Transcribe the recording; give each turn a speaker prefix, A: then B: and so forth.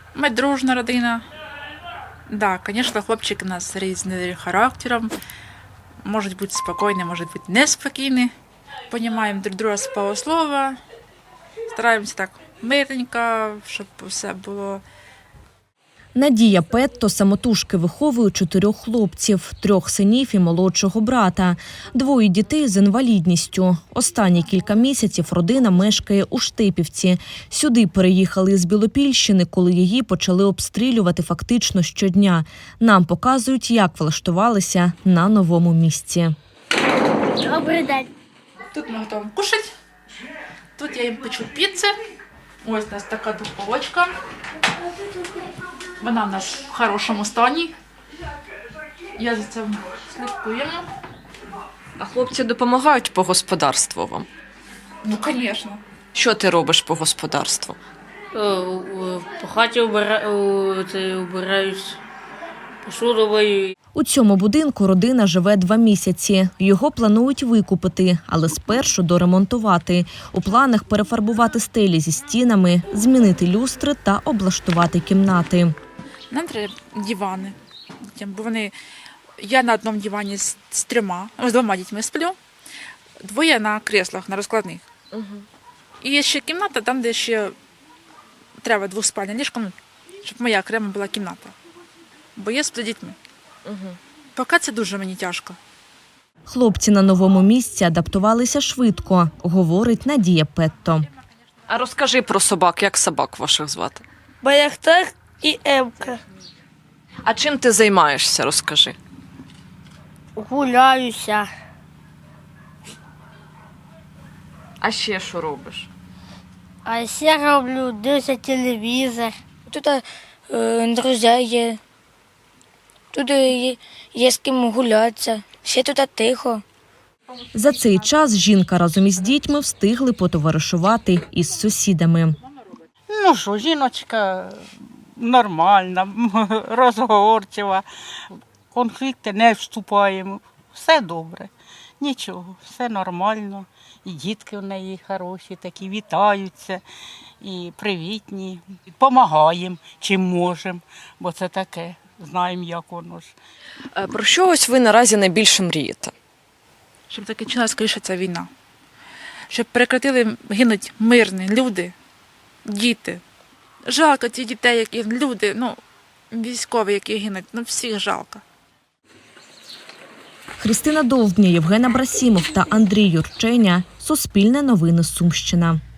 A: Ми дружна родина. Да, звісно, хлопчики у нас різні характером. Можуть бути спокійні, можуть бути неспокійні. Понімаємо друг друга з полуслова. Стараємося так мирненько, щоб все було.
B: Надія Петто самотужки виховує 4 хлопців, 3 синів і молодшого брата, 2 дітей з інвалідністю. Останні кілька місяців родина мешкає у Штепівці. Сюди переїхали з Білопільщини, коли її почали обстрілювати фактично щодня. Нам показують, як влаштувалися на новому місці.
C: Добрий день.
A: Тут ми готуємо кушати. Тут я їм печу піци. Ось у нас така духовочка. Вона в нас в хорошому стані. Я за цим слідкуємо.
D: А хлопці допомагають по господарству вам?
A: Ну, звісно.
D: Що ти робиш по господарству?
E: По хаті убираюсь, посуду мию.
B: У цьому будинку родина живе 2 місяці. Його планують викупити, але спершу доремонтувати. У планах перефарбувати стелі зі стінами, змінити люстри та облаштувати кімнати.
A: Нам треба дивани. Бо я на одному дивані з 2 дітьми сплю, 2 на креслах, на розкладних. І є ще кімната, там, де ще треба 2-спальне ліжко, щоб моя окрема була кімната. Бо я сплю з дітьми. Поки це дуже мені тяжко.
B: Хлопці на новому місці адаптувалися швидко, говорить Надія Петто.
D: А розкажи про собак, як собак ваших звати?
C: Баяхтар і Емка.
D: А чим ти займаєшся, розкажи.
C: Гуляюся.
D: А ще що робиш?
C: А ще роблю, дивлюся телевізор.
F: Тут друзі є, тут є з ким гулятися, ще тут тихо.
B: За цей час жінка разом із дітьми встигли потоваришувати із сусідами.
G: Ну що, жіночка нормальна, розговорчива, в конфлікти не вступаємо, все добре, нічого, все нормально. І дітки в неї хороші, такі вітаються, і привітні, допомагаємо, чим можемо, бо це таке, знаємо, як воно ж.
D: Про що ось ви наразі найбільше мрієте?
A: Щоб закінчилася скоріше ця війна. Щоб прекратили гинуть мирні люди, діти. Жалко цих дітей, які люди, військові, які гинуть, всіх жалко.
B: Христина Довбня, Євген Абрасімов та Андрій Юрченя. Суспільне новини Сумщина.